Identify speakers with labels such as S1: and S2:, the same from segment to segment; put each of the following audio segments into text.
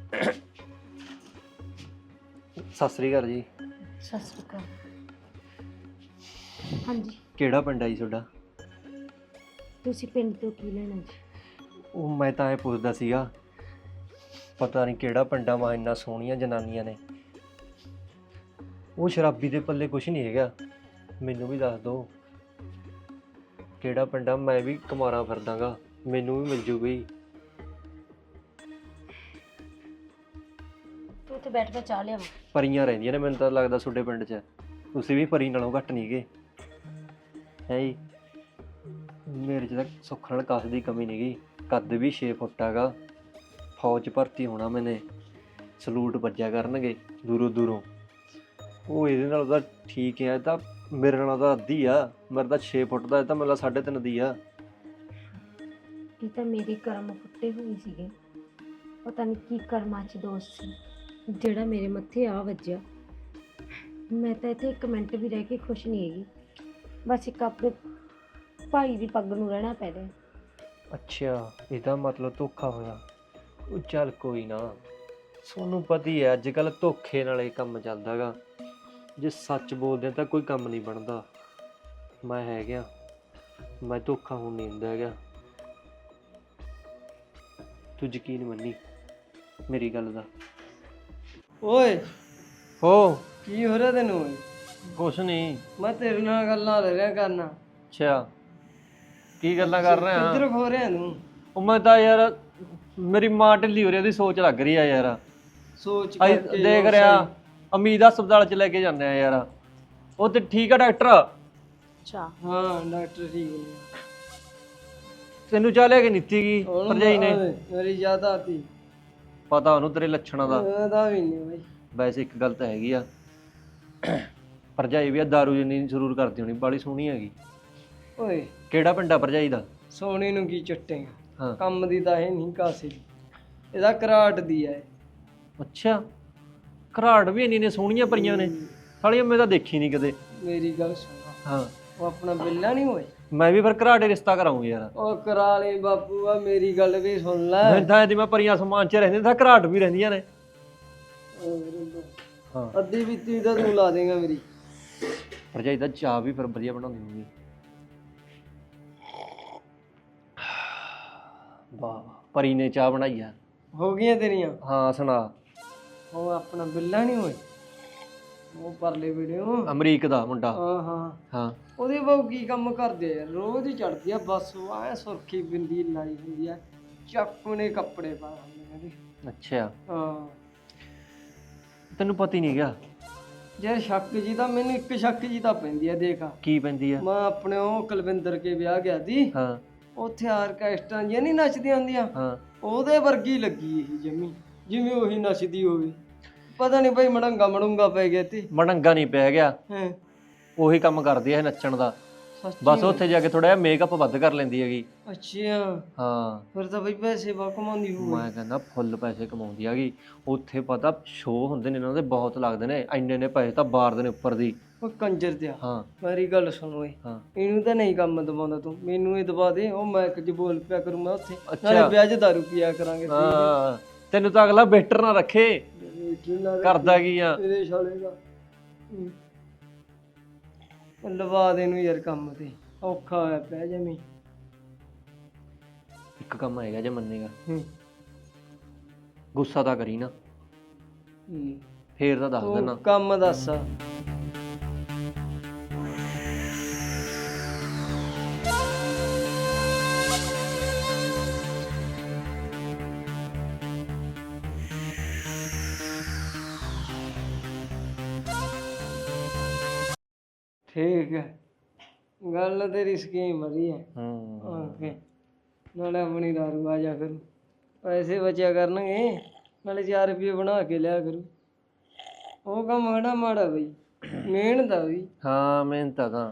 S1: ਸਤਿ ਸ੍ਰੀ ਅਕਾਲ ਜੀ।
S2: ਸਤਿ ਸ਼੍ਰੀ ਅਕਾਲ। ਹਾਂਜੀ,
S1: ਕਿਹੜਾ ਪਿੰਡ ਆ ਜੀ ਤੁਹਾਡਾ?
S2: ਤੁਸੀਂ ਪਿੰਡ ਤੋਂ ਕੀ ਲੈਣਾ ਜੀ?
S1: ਉਹ ਮੈਂ ਤਾਂ ਇਹ ਪੁੱਛਦਾ ਸੀਗਾ, ਪਤਾ ਨਹੀਂ ਕਿਹੜਾ ਪਿੰਡਾਂ ਮਾ ਇੰਨਾ ਸੋਹਣੀਆਂ ਜਨਾਨੀਆਂ ਨੇ। ਉਹ ਸ਼ਰਾਬੀ ਦੇ ਪੱਲੇ ਕੁਛ ਨਹੀਂ ਹੈਗਾ, ਮੈਨੂੰ ਵੀ ਦੱਸ ਦਿਓ ਕਿਹੜਾ ਪਿੰਡ ਆ। ਮੈਂ ਵੀ ਕੁਮਾਰਾ ਫਿਰਦਾਗਾ, ਮੈਨੂੰ ਵੀ ਮਿਲ ਜੂਗੀ।
S2: ਤੂੰ ਉੱਥੇ ਬੈਠ ਕੇ ਚਾਹ ਲਿਆਵਾ।
S1: ਪਰੀਆਂ ਰਹਿੰਦੀਆਂ ਨੇ, ਮੈਨੂੰ ਤਾਂ ਲੱਗਦਾ ਤੁਹਾਡੇ ਪਿੰਡ 'ਚ ਤੁਸੀਂ ਵੀ ਪਰੀ ਨਾਲੋਂ ਘੱਟ ਨਹੀਂ ਗੇ ਹੈ ਜੀ। ਮੇਰੇ 'ਚ ਤਾਂ ਸੁੱਖ ਨਾਲ ਕਾਸ ਦੀ ਕਮੀ ਨਹੀਂ ਗੀ। ਕੱਦ ਵੀ 6 ਫੁੱਟ ਹੈਗਾ, ਫੌਜ 'ਚ ਭਰਤੀ ਹੋਣਾ ਮੈਨੇ, ਸਲੂਟ ਵੱਜਿਆ ਕਰਨਗੇ ਦੂਰੋਂ ਦੂਰੋਂ। ਉਹ ਇਹਦੇ ਨਾਲ ਤਾਂ ਠੀਕ ਹੈ, ਤਾਂ ਮੇਰੇ ਨਾਲ ਤਾਂ ਅੱਧੀ ਆ। ਮੇਰੇ ਤਾਂ 6 ਫੁੱਟ ਦਾ, ਇਹ ਤਾਂ ਮੇਰਾ 3.5 ਦੀ ਆ।
S2: ਇਹ ਤਾਂ ਮੇਰੇ ਕਰਮ ਫੁੱਟੇ ਹੋਏ ਸੀਗੇ, ਪਤਾ ਨਹੀਂ ਕੀ ਕਰਮਾਂ 'ਚ ਦੋਸਤ ਸੀ ਜਿਹੜਾ ਮੇਰੇ ਮੱਥੇ ਆ ਵੱਜਿਆ। ਮੈਂ ਤਾਂ ਇੱਥੇ ਇੱਕ ਮਿੰਟ ਵੀ ਰਹਿ ਕੇ ਖੁਸ਼ ਨਹੀਂ ਹੈਗੀ, ਬਸ ਇੱਕ ਆਪਣੇ ਭਾਈ ਦੀ ਪੱਗ ਨੂੰ ਰਹਿਣਾ ਪੈ ਰਿਹਾ।
S1: ਅੱਛਾ, ਇਹਦਾ ਮਤਲਬ ਧੋਖਾ ਹੋਇਆ। ਉਹ ਚੱਲ ਕੋਈ ਨਾ, ਤੁਹਾਨੂੰ ਪਤਾ ਹੀ ਹੈ ਅੱਜ ਕੱਲ੍ਹ ਧੋਖੇ ਨਾਲ ਇਹ ਕੰਮ ਚੱਲਦਾ ਗਾ। ਜੇ ਸੱਚ ਬੋਲਦੇ ਤਾਂ ਕੋਈ ਕੰਮ ਨਹੀਂ ਬਣਦਾ। ਮੈਂ ਹੈਗਾ, ਮੈਂ ਧੋਖਾ ਹੋਣ ਨਹੀਂ ਦਿੰਦਾ ਹੈਗਾ। ਤੂੰ ਯਕੀਨ ਮੰਨੀ ਮੇਰੀ ਗੱਲ ਦਾ।
S3: ਓਏ
S1: ਹੋ
S3: ਕੀ ਹੋ ਰਿਹਾ ਤੈਨੂੰ ਓਏ?
S1: ਕੁਛ ਨਹੀਂ।
S3: ਮੈਂ ਤੇਰੇ ਨਾਲ ਗੱਲਾਂ ਲੈ ਰਿਹਾ ਕਰਨਾ।
S1: ਅੱਛਾ, ਕੀ ਗੱਲਾਂ ਕਰ ਰਿਹਾ?
S3: ਕਿੱਧਰ ਖੋ ਰਿਹਾ ਤੂੰ?
S1: ਉਹ ਮੈਂ ਤਾਂ ਯਾਰ, ਮੇਰੀ ਮਾਂ ਢਿੱਲੀ ਹੋ ਰਹੀ, ਉਹਦੀ ਸੋਚ ਲੱਗ ਰਹੀ ਆ ਯਾਰ।
S3: ਸੋਚ
S1: ਅਸੀਂ
S3: ਕਰਕੇ
S1: ਦੇਖ ਰਿਹਾ ਉਮੀਦ ਹਸਪਤਾਲ 'ਚ ਲੈ ਕੇ ਜਾਂਦੇ ਆ ਯਾਰ। ਉਹ ਤੇ ਠੀਕ ਆ ਡਾਕਟਰ?
S2: ਅੱਛਾ,
S3: ਹਾਂ ਡਾਕਟਰ ਠੀਕ ਨੇ।
S1: ਤੈਨੂੰ ਚਾਹ ਲਿਆ ਕੇ ਨੀਤੀ ਗਈ ਭਰਜਾਈ ਨੇ?
S3: ਮੇਰੀ ਯਾਦ ਆਤੀ।
S1: ਪਤਾ ਉਹਨੂੰ ਤੇਰੇ ਲੱਛਣਾਂ ਦਾ।
S3: ਉਹਦਾ ਵੀ ਨਹੀਂ ਬਾਈ।
S1: ਵੈਸੇ ਇੱਕ ਗੱਲ ਤਾਂ ਹੈਗੀ ਆ, ਭਰਜਾਈ ਵੀ ਆ ਦਾਰੂ ਜਿੰਨੀ ਜ਼ਰੂਰ ਕਰਦੀ ਹੋਣੀ, ਬਾਲੀ ਸੋਹਣੀ ਹੈਗੀ।
S3: ਓਏ
S1: ਕਿਹੜਾ ਪਿੰਡਾ ਭਰਜਾਈ ਦਾ?
S3: ਸੋਹਣੀ ਨੂੰ ਕੀ ਚੱਟੇਗਾ,
S1: ਹਾਂ।
S3: ਕੰਮ ਦੀ ਤਾਂ ਇਹ ਨਹੀਂ ਕਾਸੇ ਦੀ, ਇਹਦਾ ਘਰਾਟ ਦੀ ਹੈ।
S1: ਅੱਛਾ, ਘਰਾੜ ਵੀ ਇੰਨੀ ਨੇ ਸੋਹਣੀਆਂ ਪਰੀਆਂ ਨੇ ਸਾਲੀਆਂ, ਮੈਂ ਤਾਂ ਦੇਖੀ ਨਹੀਂ ਕਦੇ।
S3: ਮੇਰੀ ਗੱਲ ਸੁਣ,
S1: ਹਾਂ,
S3: ਉਹ ਆਪਣਾ ਬਿੱਲਾ ਨਹੀਂ ਹੋਏ।
S1: ਮੈਂ ਵੀ ਫਿਰ ਘਰਾੜੇ ਰਿਸ਼ਤਾ ਕਰਾਊਂ ਯਾਰ।
S3: ਉਹ ਕਰਾ ਲਈ ਬਾਪੂ, ਆ ਮੇਰੀ ਗੱਲ ਵੀ ਸੁਣ ਲੈ।
S1: ਮੈਂ ਤਾਂ ਇਹਦੀ ਮੈਂ ਪਰੀਆਂ ਸਮਾਨ 'ਚ ਰਹਿੰਦੀਆਂ ਤਾਂ ਘਰਾਟ ਵੀ ਰਹਿੰਦੀਆਂ ਨੇ। ਹਾਂ,
S3: ਅੱਧੀ ਬੀਤੀ ਤਾਂ ਤੂੰ ਲਾ ਦੇਗਾ ਮੇਰੀ।
S1: ਭਰਜਾਈ ਦਾ ਚਾਹ ਵੀ ਫਿਰ ਵਧੀਆ ਬਣਾਉਂਦੀ ਹੋਊਗੀ। ਵਾਹ, ਪਰੀ ਨੇ ਚਾਹ ਬਣਾਈ ਆ।
S3: ਹੋ ਗਈਆਂ ਤੇਰੀਆਂ?
S1: ਹਾਂ ਸੁਣਾ।
S3: ਉਹ ਆਪਣਾ ਬਿੱਲਾ ਨਹੀਂ ਹੋਏ, ਉਹ ਪਰਲੇ ਵੀਡੀਓ
S1: ਅਮਰੀਕ ਦਾ ਮੁੰਡਾ।
S3: ਹਾਂ ਹਾਂ
S1: ਹਾਂ,
S3: ਉਹਦੇ ਬਾਬੂ ਕੀ ਕੰਮ ਕਰਦੇ ਆ? ਰੋਜ਼ ਹੀ ਚੜਦੀ ਆ ਬੱਸ, ਉਹ ਐ ਸੁਰਖੀ ਬਿੰਦੀ ਲਾਈ ਹੁੰਦੀ ਆ, ਚੱਕੂਨੇ ਕੱਪੜੇ ਪਾ ਹੁੰਦੇ ਨੇ।
S1: ਅੱਛਾ,
S3: ਹਾਂ
S1: ਤੈਨੂੰ ਪਤਾ ਹੀ ਨਹੀਂ ਗਿਆ?
S3: ਯਾਰ ਸ਼ੱਕ ਜੀ ਤਾਂ ਮੈਨੂੰ, ਇੱਕ ਸ਼ੱਕ ਜੀ ਤਾਂ ਪੈਂਦੀ ਆ। ਦੇਖ
S1: ਕੀ ਪੈਂਦੀ ਆ?
S3: ਮੈਂ ਆਪਣੇ ਉਹ ਕੁਲਵਿੰਦਰ ਕੇ ਵਿਆਹ ਗਿਆ ਸੀ,
S1: ਹਾਂ
S3: ਉੱਥੇ ਆਰਕੈਸਟਰਾਂ ਜਿਹੀਆਂ ਨਹੀਂ ਨੱਚਦੀਆਂ ਹੁੰਦੀਆਂ,
S1: ਹਾਂ,
S3: ਉਹਦੇ ਵਰਗੀ ਲੱਗੀ ਇਹ ਜਮੀ, ਜਿਵੇਂ ਉਹੀ ਨੱਚਦੀ ਹੋਵੇ। ਪਤਾ ਨਹੀਂ ਭਾਈ ਮੜੰਗਾ ਮੜੂੰਗਾ ਪੈ ਗਿਆ ਤੇ।
S1: ਮੜੰਗਾ ਨਹੀਂ ਪੈ ਗਿਆ,
S3: ਹੈ
S1: ਉਹੀ ਕੰਮ ਕਰਦੀ ਹੈ ਨੱਚਣ ਦਾ।
S3: ਸੱਚੀ?
S1: ਬਸ ਉੱਥੇ ਜਾ ਕੇ ਥੋੜਾ ਜਿਹਾ ਮੇਕਅਪ ਵੱਧ ਕਰ ਲੈਂਦੀ ਹੈਗੀ।
S3: ਅੱਛਾ,
S1: ਹਾਂ,
S3: ਫਿਰ ਤਾਂ ਬਈ ਪੈਸੇ ਬਾ ਕਮਾਉਂਦੀ ਹੋਊ।
S1: ਮੈਂ ਕਹਿੰਦਾ ਫੁੱਲ ਪੈਸੇ ਕਮਾਉਂਦੀ ਹੈਗੀ। ਉੱਥੇ ਪਤਾ ਸ਼ੋਅ ਹੁੰਦੇ ਨੇ ਇਹਨਾਂ ਦੇ, ਬਹੁਤ ਲੱਗਦੇ ਨੇ, ਇੰਨੇ ਨੇ ਪੈਸੇ ਤਾਂ ਬਾਰਦੇ ਨੇ ਉੱਪਰ ਦੀ।
S3: ਉਹ ਕੰਜਰ ਦਿਆ,
S1: ਹਾਂ
S3: ਮੇਰੀ ਗੱਲ ਸੁਣ ਓਏ,
S1: ਹਾਂ,
S3: ਇਹਨੂੰ ਤਾਂ ਨਹੀਂ ਕੰਮ ਦਵਾਉਂਦਾ ਤੂੰ, ਮੈਨੂੰ ਇਹ ਦਵਾ ਦੇ। ਉਹ ਮੈਂ ਕੁਝ ਬੋਲ ਪਿਆ ਕਰੂੰ ਮੈਂ ਉੱਥੇ,
S1: ਅੱਛਾ।
S3: ਨਾਲੇ ਵਿਆਹ 'ਚ ਦਾਰੂ ਪੀਆ ਕਰਾਂਗੇ।
S1: ਹਾਂ, ਤੈਨੂੰ ਤਾਂ ਅਗਲਾ ਵੇਟਰ ਨਾ ਰੱਖੇ, ਕਰਦਾ ਕੀ ਆ?
S3: ਤੇਰੇ ਸਾਲੇ ਦਾ ਲਵਾ ਦੇ ਨੂੰ ਯਾਰ, ਕੰਮ ਤੇ ਔਖਾ ਹੋਇਆ ਪਿਆ ਜਮੀ।
S1: ਇੱਕ ਕੰਮ ਹੈਗਾ ਜੇ ਮੰਨੇਗਾ,
S3: ਹੂੰ
S1: ਗੁੱਸਾ ਤਾਂ ਕਰੀ ਨਾ, ਫੇਰ ਤਾਂ ਦੱਸ ਦੇਣਾ।
S3: ਤੂੰ ਕੰਮ ਦੱਸ। ਠੀਕ ਹੈ, ਗੱਲ ਤੇਰੀ ਸਕੀਮ ਵਧੀਆ। ਓਕੇ, ਨਾਲੇ ਆਪਣੀ ਦਾਰੂ ਆ ਜਾ ਕਰੂ, ਪੈਸੇ ਬਚਿਆ ਕਰਨਗੇ, ਨਾਲੇ 4 ਰੁਪਏ ਬਣਾ ਕੇ ਲਿਆ ਕਰੂ। ਉਹ ਕੰਮ ਕਿਹੜਾ ਮਾੜਾ ਬਈ, ਮਿਹਨਤ ਆ ਵੀ।
S1: ਹਾਂ, ਮਿਹਨਤ ਤਾਂ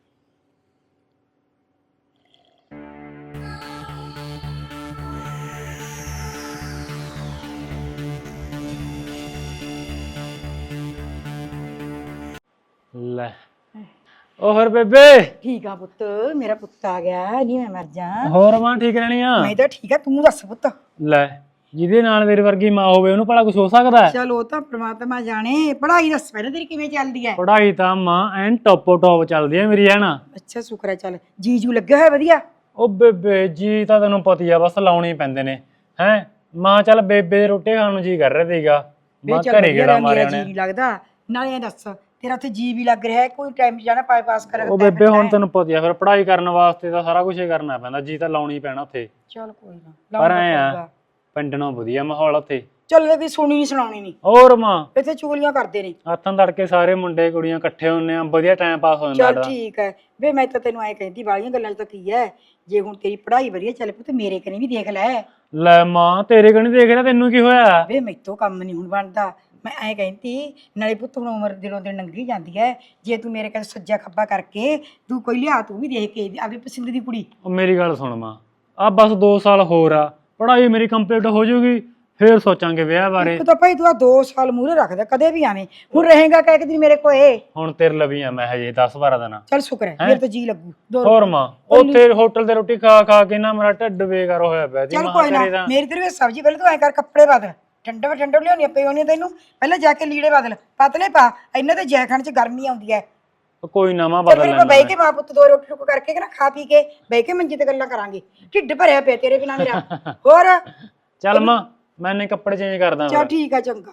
S4: ਲੈ। ਉਹ ਹੋਰ ਬੇਬੇ?
S5: ਠੀਕ ਆ ਪੁੱਤ, ਮੇਰਾ ਪੁੱਤ ਆ ਗਿਆ। ਨਹੀਂ ਮੈਂ ਮਰ ਜਾ।
S4: ਹੋਰ ਮਾਂ ਠੀਕ ਰਹਿਣੀ ਆ?
S5: ਮੈਂ ਤਾਂ ਠੀਕ ਆ, ਤੂੰ ਦੱਸ ਪੁੱਤ।
S4: ਲੈ, ਜਿਹਦੇ ਨਾਲ ਮੇਰੇ ਵਰਗੀ ਮਾਂ ਹੋਵੇ ਉਹਨੂੰ ਭਲਾ ਕੁਝ ਹੋ ਸਕਦਾ ਹੈ?
S5: ਚਲ ਉਹ ਤਾਂ ਪ੍ਰਮਾਤਮਾ ਜਾਣੇ। ਪੜ੍ਹਾਈ ਦੱਸ ਪਹਿਲਾਂ ਤੇਰੀ ਕਿਵੇਂ ਚੱਲਦੀ ਹੈ?
S4: ਪੜ੍ਹਾਈ ਤਾਂ ਮਾਂ ਐਨ ਟੋਪੋ ਟੋਪ ਚੱਲਦੀ ਹੈ ਮੇਰੀ, ਹੈ ਨਾ।
S5: ਅੱਛਾ ਸ਼ੁਕਰ ਹੈ। ਚੱਲ ਜੀਜੂ ਲੱਗਿਆ ਹੋਇਆ ਵਧੀਆ?
S4: ਉਹ ਬੇਬੇ ਜੀ ਤਾਂ ਤੈਨੂੰ ਪਤੀ ਆ, ਬਸ ਲਾਉਣੇ ਹੀ ਪੈਂਦੇ ਨੇ। ਹੈ ਮਾਂ ਚੱਲ ਬੇਬੇ ਦੇ ਰੋਟੀ ਖਾਣ ਨੂੰ ਜੀ ਕਰ ਰਿਹਾ ਸੀਗਾ, ਮਾਂ ਘਰੇ ਗੇੜਾ ਮਾਰਿਆ
S5: ਜੀ
S4: ਉਹਨੇ।
S5: ਨਹੀਂ ਲੱਗਦਾ। ਨਾਲੇ ਇਹ ਦੱਸ ਤੇਰਾ ਉੱਥੇ ਜੀ ਵੀ ਲੱਗ ਰਿਹਾ ਹੈ? ਕੋਈ ਟਾਈਮ ਜਾਣਾ ਪਾਸ ਕਰ?
S4: ਉਹ ਬੇਬੇ ਹੁਣ ਤੈਨੂੰ ਪਤੀ ਆ, ਫਿਰ ਪੜ੍ਹਾਈ ਕਰਨ ਵਾਸਤੇ ਤਾਂ ਸਾਰਾ ਕੁਝ ਹੀ ਕਰਨਾ ਪੈਂਦਾ, ਜੀ ਤਾਂ ਲਾਉਣੀ ਪੈਣਾ ਉੱਥੇ।
S5: ਚਲ ਕੋਈ ਨਾ।
S4: ਪਰ ਐ ਆ ਪਿੰਡ ਨਾਲੋਂ ਵਧੀਆ ਮਾਹੌਲ ਉੱਥੇ।
S5: ਚੱਲ ਇਹ ਵੀ ਸੁਣੀ ਨਹੀਂ ਸੁਣਾਉਣੀ ਨਹੀਂ।
S4: ਹੋਰ ਮਾਂ
S5: ਇੱਥੇ ਚੁਗਲੀਆਂ ਕਰਦੇ ਨੇ।
S4: ਹੱਥਾਂ ਤੜਕੇ ਸਾਰੇ ਮੁੰਡੇ ਕੁੜੀਆਂ ਇਕੱਠੇ ਹੁੰਨੇ ਆ, ਵਧੀਆ ਟਾਈਮ ਪਾਸ ਹੋ ਜਾਂਦਾ।
S5: ਚੱਲ ਠੀਕ ਹੈ ਵੇ, ਮੈਂ ਤਾਂ ਤੈਨੂੰ ਐ ਕਹਿੰਦੀ ਵਾਲੀਆਂ ਗੱਲਾਂ 'ਚ ਤਾਂ ਕੀ ਹੈ, ਜੇ ਹੁਣ ਤੇਰੀ ਪੜ੍ਹਾਈ ਵਧੀਆ ਚੱਲ ਪਈ ਤੇ ਮੇਰੇ ਕਨੇ ਵੀ ਦੇਖ ਲੈ।
S4: ਲੈ ਮਾਂ ਤੇਰੇ ਕਣੀ ਦੇਖ ਰਿਹਾ, ਤੈਨੂੰ ਕੀ ਹੋਇਆ?
S5: ਵੇ ਮੈਥੋਂ ਕੰਮ ਨਹੀਂ ਹੁਣ ਬਣਦਾ। ਮੈਂ ਐ ਕਹਿੰਦੀ ਨਾਲੇ ਪੁੱਤ ਹੁਣ ਉਮਰ ਦਿਨੋਂ ਦਿਨ ਲੰਘੀ ਜਾਂਦੀ ਹੈ, ਜੇ ਤੂੰ ਮੇਰੇ ਕੋਲ ਸੱਜਾ ਖੱਬਾ ਕਰਕੇ ਤੂੰ ਕੋਈ ਲਿਆ, ਤੂੰ ਵੀ ਦੇਖ ਕੇ ਆਪਣੀ ਪਸੰਦ ਦੀ ਕੁੜੀ।
S4: ਉਹ ਮੇਰੀ ਗੱਲ ਸੁਣ ਮਾਂ, ਆ ਬਸ 2 ਸਾਲ ਹੋਰ ਆ, ਪੜ੍ਹਾਈ ਮੇਰੀ ਕੰਪਲੀਟ ਹੋ ਜਾਊਗੀ, ਫੇਰ ਸੋਚਾਂਗੇ ਵਿਆਹ ਬਾਰੇ।
S5: ਇੱਕ ਤਾਂ ਭਾਈ ਤੂੰ ਆ 2 ਸਾਲ ਮੂਹਰੇ ਰੱਖਦਾ, ਕਦੇ ਵੀ ਆਵੇਂ। ਹੁਣ ਰਹੇਗਾ ਕਿ ਇੱਕ ਦਿਨ ਮੇਰੇ ਕੋਲੇ?
S4: ਹੁਣ ਤੇਰੇ ਲਵੀ ਆ ਮੈਂ ਹਜੇ 10-12 ਦਿਨ।
S5: ਚੱਲ ਸ਼ੁਕਰ ਹੈ, ਮੇਰੇ ਤਾਂ ਜੀ ਲੱਗੂ।
S4: ਹੋਰ ਮਾਂ ਉੱਥੇ ਹੋਟਲ ਤੇ ਰੋਟੀ ਖਾ ਖਾ ਕੇ ਨਾ ਮੇਰਾ ਢਿੱਡ ਬੇਕਾਰ ਹੋਇਆ ਪਿਆ ਸੀ।
S5: ਚੱਲ ਕੋਈ ਨਾ, ਮੇਰੀ ਤੇਰੇ ਸਬਜ਼ੀ ਪਹਿਲਾਂ ਤੂੰ ਐ ਕਰ, ਕੱਪੜੇ ਬਦਲ, ਠੰਡੇ ਲਿਆਉਣੀ ਪਈ ਹੋਣੀ ਤੈਨੂੰ। ਪਹਿਲਾਂ ਜਾ ਕੇ ਲੀੜੇ ਬਦਲ, ਪਤਲੇ ਪਾ, ਇਹਨਾਂ ਤੇ ਜੈਖਣ 'ਚ ਗਰਮੀ ਆਉਂਦੀ ਹੈ।
S4: ਕੋਈ ਨਾ ਮਾਂ
S5: ਚੱਲ
S4: ਬਦਲ
S5: ਫਿਰ
S4: ਲੈਣਾ।
S5: ਬਹਿ ਕੇ ਮਾਂ ਪੁੱਤ 2 ਰੋਟੀ ਟੁੱਕ ਕਰਕੇ ਕਿ ਨਾ ਖਾ ਪੀ ਕੇ ਬਹਿ ਕੇ ਮੰਜੀ ਤੇ ਗੱਲਾਂ ਕਰਾਂਗੇ। ਢਿੱਡ ਭਰਿਆ ਪਿਆ ਤੇਰੇ ਬਿਨਾ ਮੇਰਾ। ਹੋਰ
S4: ਚੱਲ ਮਾਂ ਮੈਂ ਨੇ ਕੱਪੜੇ ਚੇਂਜ ਕਰਦਾ।
S5: ਚੱਲ ਠੀਕ ਆ, ਚੰਗਾ।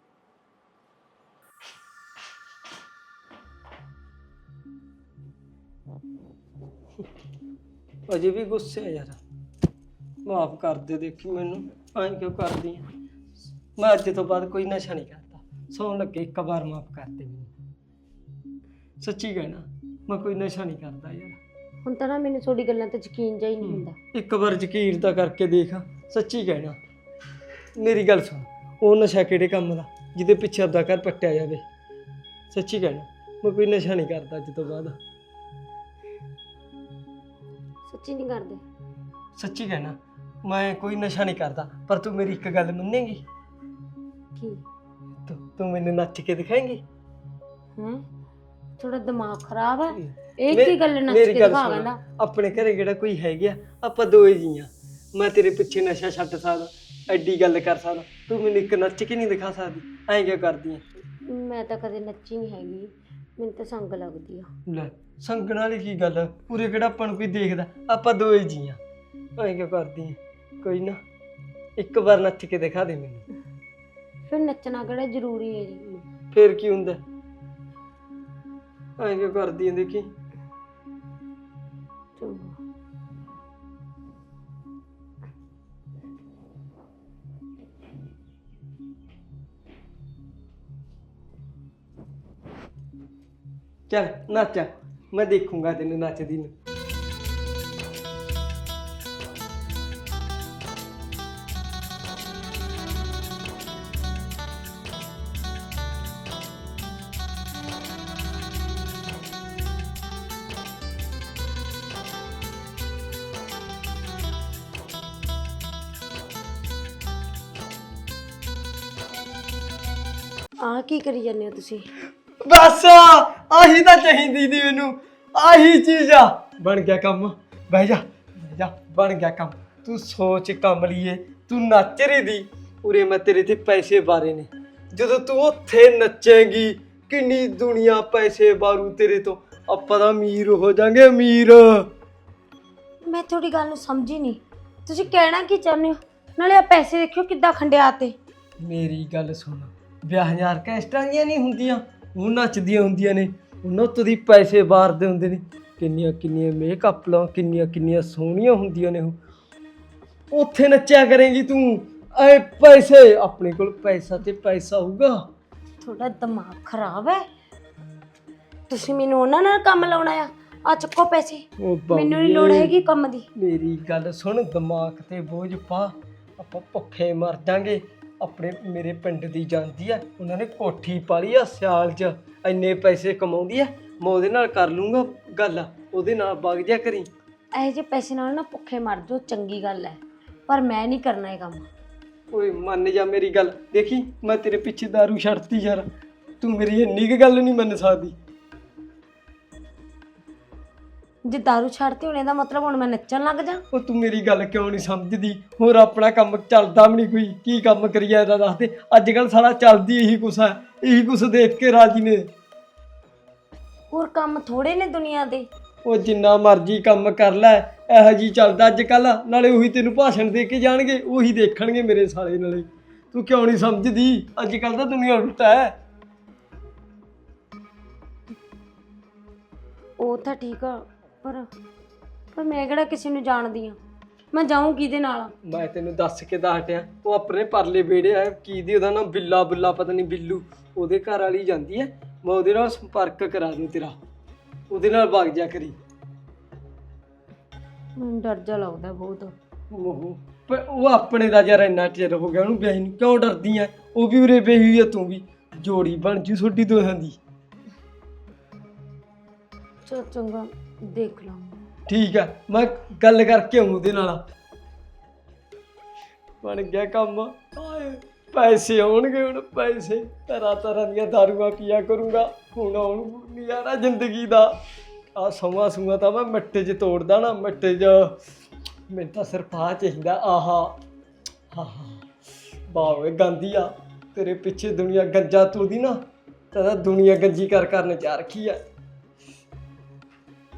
S3: ਅਜੇ ਵੀ ਗੁੱਸੇ ਆ ਯਾਰ। ਮਾਫ ਕਰ ਦੇ, ਦੇਖੀ ਮੈਨੂੰ ਐਂ ਕਿਉਂ ਕਰਦੀ ਆ। ਮੈਂ ਅੱਜ ਤੋਂ ਬਾਅਦ ਕੋਈ ਨਸ਼ਾ ਨਹੀਂ ਕਰਦਾ। ਸੌਣ ਲੱਗੇ ਇੱਕ ਵਾਰ ਮਾਫ ਕਰ ਦੇ ਮੈਨੂੰ। ਸੱਚੀ ਕਹਿਣਾ, ਮੈਂ ਕੋਈ ਨਸ਼ਾ ਨਹੀਂ ਕਰਦਾ ਯਾਰ।
S2: ਹੁਣ ਤਾਂ ਨਾ ਮੈਨੂੰ ਤੁਹਾਡੀ ਗੱਲਾਂ ਤੇ ਯਕੀਨ ਜਿਹਾ ਹੀ ਨਹੀਂ ਹੁੰਦਾ।
S3: ਇੱਕ ਵਾਰ ਯਕੀਨ ਤਾਂ ਕਰਕੇ ਦੇਖ। ਸੱਚੀ ਕਹਿਣਾ, ਮੇਰੀ ਗੱਲ ਸੁਣ। ਉਹ ਨਸ਼ਾ ਕਿਹੜੇ ਕੰਮ ਦਾ ਜਿਹਦੇ ਪਿੱਛੇ ਆਪਦਾ ਘਰ ਪੱਟਿਆ ਜਾਵੇ? ਸੱਚੀ ਕਹਿਣਾ, ਮੈਂ ਕੋਈ ਨਸ਼ਾ ਨਹੀਂ ਕਰਦਾ ਅੱਜ ਤੋਂ ਬਾਅਦ।
S2: ਸੱਚੀ ਨਹੀਂ ਕਰਦੇ?
S3: ਸੱਚੀ ਕਹਿਣਾ, ਮੈਂ ਕੋਈ ਨਸ਼ਾ ਨਹੀਂ ਕਰਦਾ। ਪਰ ਤੂੰ ਮੇਰੀ ਇੱਕ ਗੱਲ ਮੰਨੇਗੀ?
S2: ਕੀ?
S3: ਤੂੰ ਮੈਨੂੰ ਨੱਚ ਕੇ ਦਿਖਾਏਂਗੀ?
S2: ਹੈਂ? ਥੋੜਾ ਦਿਮਾਗ ਖਰਾਬ ਹੈ? ਇਹ ਕੀ ਗੱਲ ਨੱਚ ਕੇ ਦਿਖਾ ਲੈਂਦਾ?
S3: ਆਪਣੇ ਘਰੇ ਕਿਹੜਾ ਕੋਈ ਹੈਗਾ? ਆਪਾਂ ਦੋਏ ਜੀਆਂ। ਮੈਂ ਤੇਰੇ ਪਿੱਛੇ ਨਸ਼ਾ ਛੱਡ ਸਕਦਾ, ਐਡੀ ਗੱਲ ਕਰ ਸਕਦਾ, ਤੂੰ ਮੈਨੂੰ ਇੱਕ ਨੱਚ ਕੇ ਨਹੀਂ ਦਿਖਾ ਸਕਦੀ? ਐਂ ਕਿਉਂ ਕਰਦੀ ਐ?
S2: ਮੈਂ ਤਾਂ ਕਦੇ ਨੱਚੀ ਨਹੀਂ ਹੈਗੀ, ਮੈਨੂੰ ਤਾਂ ਸੰਗ ਲੱਗਦੀ ਆ।
S3: ਲੈ ਸੰਗਣ ਵਾਲੀ ਕੀ ਗੱਲ? ਪੂਰੇ ਕਿਹੜਾ ਆਪਾਂ ਨੂੰ ਕੋਈ ਦੇਖਦਾ? ਆਪਾਂ ਦੋਏ ਜੀਆਂ। ਐਂ ਕਿਉਂ ਕਰਦੀ ਐ? ਕੋਈ ਨਾ, ਇੱਕ ਵਾਰ ਨੱਚ ਕੇ ਦਿਖਾ ਦੇ ਮੈਨੂੰ।
S2: ਫਿਰ ਨੱਚਣਾ ਕਿਹੜਾ ਜ਼ਰੂਰੀ ਹੈ ਜੀ?
S3: ਫੇਰ ਕੀ ਹੁੰਦਾ? ਐਂ ਕਿਉਂ ਕਰਦੀ ਐ? ਦੇਖੀ
S2: ਚੰਗਾ।
S3: ਚੱਲ ਨੱਚ, ਮੈਂ ਦੇਖੂੰਗਾ ਤੈਨੂੰ ਨੱਚਦੀ ਨੂੰ।
S2: ਆਹ ਕੀ ਕਰੀ ਜਾਂਦੇ ਹੋ ਤੁਸੀਂ?
S3: ਬਸ ਆਹੀ ਤਾਂ ਚਾਹੀਦੀ ਸੀ ਮੈਨੂੰ, ਆਹੀ ਚੀਜ਼ ਆ। ਬਣ ਗਿਆ ਕੰਮ। ਬਹਿ ਜਾ ਬਹਿ ਜਾ, ਬਣ ਗਿਆ ਕੰਮ। ਤੂੰ ਸੋਚ ਕਮਲੀਏ, ਤੂੰ ਨੱਚ ਰਹੀ ਦੀ। ਉਰੇ ਮੈਂ ਤੇਰੇ ਤੇ ਪੈਸੇ ਬਾਰੇ ਨੇ। ਜਦੋਂ ਤੂੰ ਉੱਥੇ ਨੱਚੇਂਗੀ ਕਿੰਨੀ ਦੁਨੀਆ ਪੈਸੇ ਬਾਰੂ ਤੇਰੇ ਤੋਂ। ਆਪਾਂ ਤਾਂ ਅਮੀਰ ਹੋ ਜਾਾਂਗੇ, ਅਮੀਰ।
S2: ਮੈਂ ਤੁਹਾਡੀ ਗੱਲ ਨੂੰ ਸਮਝੀ ਨਹੀਂ, ਤੁਸੀਂ ਕਹਿਣਾ ਕੀ ਚਾਹੁੰਦੇ ਹੋ? ਨਾਲੇ ਆ ਪੈਸੇ ਦੇਖਿਓ ਕਿੱਦਾਂ ਖੰਡਿਆਤੇ।
S3: ਮੇਰੀ ਗੱਲ ਸੁਣ, ਵਿਆਹ ਆਰਕੈਸਟਰਾਂ ਦੀਆਂ ਨਹੀਂ ਹੁੰਦੀਆਂ, ਉਹ ਨੱਚਦੀਆਂ ਹੁੰਦੀਆਂ ਨੇ। ਉਹਨਾਂ ਉੱਤੋਂ ਦੀ ਪੈਸੇ ਬਾਰਦੇ ਹੁੰਦੇ ਨੇ। ਕਿੰਨੀਆਂ ਕਿੰਨੀਆਂ ਮੇਕਅਪ ਲਾਂ, ਕਿੰਨੀਆਂ ਕਿੰਨੀਆਂ ਸੋਹਣੀਆਂ ਹੁੰਦੀਆਂ ਨੇ ਉਹ। ਉੱਥੇ ਨੱਚਿਆ ਕਰੇਂਗੀ ਤੂੰ। ਐ ਪੈਸੇ ਆਪਣੇ ਕੋਲ ਪੈਸਾ ਤੇ ਪੈਸਾ ਹੋਊਗਾ।
S2: ਤੁਹਾਡਾ ਦਿਮਾਗ ਖਰਾਬ ਹੈ? ਤੁਸੀਂ ਮੈਨੂੰ ਉਹਨਾਂ ਨਾਲ ਕੰਮ ਲਾਉਣਾ ਆ ਚੱਕੋ ਪੈਸੇ, ਮੈਨੂੰ ਨਹੀਂ ਲੋੜ ਹੈਗੀ ਕੰਮ ਦੀ।
S3: ਮੇਰੀ ਗੱਲ ਸੁਣ, ਦਿਮਾਗ ਤੇ ਬੋਝ ਪਾ, ਆਪਾਂ ਭੁੱਖੇ ਮਰ ਜਾਾਂਗੇ। ਆਪਣੇ ਮੇਰੇ ਪਿੰਡ ਦੀ ਜਾਂਦੀ ਆ, ਉਹਨਾਂ ਨੇ ਕੋਠੀ ਪਾਲੀ ਆ ਸਿਆਲ 'ਚ, ਇੰਨੇ ਪੈਸੇ ਕਮਾਉਂਦੀ ਆ। ਮੈਂ ਉਹਦੇ ਨਾਲ ਕਰ ਲੂੰਗਾ ਗੱਲ, ਉਹਦੇ ਨਾਲ ਵਗ ਜਾ ਕਰੀ।
S2: ਇਹੋ ਜਿਹੇ ਪੈਸੇ ਨਾਲ ਨਾ ਭੁੱਖੇ ਮਰ ਜਾਓ, ਚੰਗੀ ਗੱਲ ਹੈ, ਪਰ ਮੈਂ ਨਹੀਂ ਕਰਨਾ ਇਹ ਕੰਮ।
S3: ਓਏ ਮੰਨ ਜਾ ਮੇਰੀ ਗੱਲ। ਦੇਖੀ ਮੈਂ ਤੇਰੇ ਪਿੱਛੇ ਦਾਰੂ ਛੱਡਤੀ ਯਾਰ, ਤੂੰ ਮੇਰੀ ਇੰਨੀ ਕੁ ਗੱਲ ਨਹੀਂ ਮੰਨ ਸਕਦੀ।
S2: ਜੇ ਦਾਰੂ ਛੱਡਤੀ ਹੁਣ ਇਹਦਾ ਮਤਲਬ ਹੁਣ ਮੈਂ ਨੱਚਣ ਲੱਗ ਜਾ।
S3: ਉਹ ਤੂੰ ਮੇਰੀ ਗੱਲ ਕਿਉਂ ਨਹੀਂ ਸਮਝਦੀ? ਹੋਰ ਆਪਣਾ ਕੰਮ ਚੱਲਦਾ ਵੀ ਨਹੀਂ ਕੋਈ, ਕੀ ਕੰਮ ਕਰੀਏ ਇਹਦਾ ਦੱਸ ਦੇ। ਅੱਜ ਕੱਲ ਸਾਰਾ ਚੱਲਦੀ ਇਹੀ ਕੁਛ ਹੈ, ਇਹੀ ਕੁਛ ਦੇਖ ਕੇ ਰਾਜੀ ਨੇ।
S2: ਹੋਰ ਕੰਮ ਥੋੜੇ ਨੇ ਦੁਨੀਆ ਦੇ।
S3: ਉਹ ਜਿੰਨਾ ਮਰਜ਼ੀ ਕੰਮ ਕਰ ਲੈ, ਇਹੋ ਜੀ ਚੱਲਦਾ ਅੱਜ ਕੱਲ। ਨਾਲੇ ਉਹੀ ਤੈਨੂੰ ਭਾਸ਼ਣ ਦੇ ਕੇ ਜਾਣਗੇ, ਉਹੀ ਦੇਖਣਗੇ ਮੇਰੇ ਸਾਲੇ। ਨਾਲੇ ਤੂੰ ਕਿਉਂ ਨਹੀਂ ਸਮਝਦੀ? ਅੱਜ ਕੱਲ ਤਾਂ ਦੁਨੀਆ ਉਲਟਾ ਹੈ।
S2: ਉਹ ਤਾਂ ਠੀਕ ਆ, ਪਰ ਮੈਂ ਕਿਹੜਾ ਕਿਸੇ ਨੂੰ ਜਾਣਦੀ ਆ? ਮੈਂ ਜਾਊਂ ਕਿਹਦੇ ਨਾਲ?
S3: ਮੈਂ ਤੈਨੂੰ ਦੱਸ ਕੇ ਤਾਂ ਹਟਿਆ, ਉਹ ਆਪਣੇ ਪਰਲੇ ਵਿਹੜੇ ਆ, ਕੀ ਦੀ ਉਹਦਾ ਨਾਮ ਬਿੱਲਾ ਬੁੱਲਾ ਪਤਾ ਨਹੀਂ ਬਿੱਲੂ, ਉਹਦੇ ਘਰ ਵਾਲੀ ਜਾਂਦੀ ਹੈ। ਮੈਂ ਉਹਦੇ ਨਾਲ ਸੰਪਰਕ ਕਰਾ ਦੂੰ ਤੇਰਾ, ਉਹਦੇ ਨਾਲ ਵਗ ਜਾ ਕਰੀ।
S2: ਮੈਨੂੰ ਡਰ ਜਾ ਲੱਗਦਾ ਬਹੁਤ।
S3: ਉਹ ਪਰ ਉਹ ਆਪਣੇ ਦਾ ਯਾਰ ਇੰਨਾ ਚਿਰ ਹੋ ਗਿਆ ਉਹਨੂੰ ਵਿਆਹੀ ਨੂੰ, ਕਿਉਂ ਡਰਦੀ ਐ? ਉਹ ਵੀ ਉਰੇ ਵਿਆਹੀ ਹੋਈ ਆ, ਤੂੰ ਵੀ। ਜੋੜੀ ਬਣ ਜੂ ਤੁਹਾਡੀ ਦੋਹਾਂ ਦੀ।
S2: ਚਲ ਚੰਗਾ, ਦੇਖ ਲਾਂਗੇ।
S3: ਠੀਕ ਆ, ਮੈਂ ਗੱਲ ਕਰਕੇ ਆਊਂ ਉਹਦੇ ਨਾਲ। ਬਣ ਗਿਆ ਕੰਮ। ਹਾਏ ਪੈਸੇ ਆਉਣਗੇ ਹੁਣ, ਪੈਸੇ। ਤਰ੍ਹਾਂ ਤਰ੍ਹਾਂ ਦੀਆਂ ਦਾਰੂਆਂ ਪੀਆ ਕਰੂੰਗਾ ਹੁਣ। ਆਉਣ ਨਜ਼ਾਰਾ ਜ਼ਿੰਦਗੀ ਦਾ। ਆ ਸਮਾਂ ਸੂਆ ਤਾਂ ਮੈਂ ਮਿੱਟੇ 'ਚ ਤੋੜਦਾ ਨਾ, ਮਿੱਟੇ 'ਚ। ਮੈਨੂੰ ਤਾਂ ਸਿਰਫ ਆਹ ਚਾਹੀਦਾ। ਆਹਾ ਹਾਂ ਵਾਹ ਓਏ ਗਾਂਧੀ ਆ, ਤੇਰੇ ਪਿੱਛੇ ਦੁਨੀਆ ਗੰਜਾ ਤੁਰਦੀ ਨਾ, ਤਾਂ ਦੁਨੀਆ ਗੰਜੀ ਕਰਨ ਜਾ ਰੱਖੀ ਆ।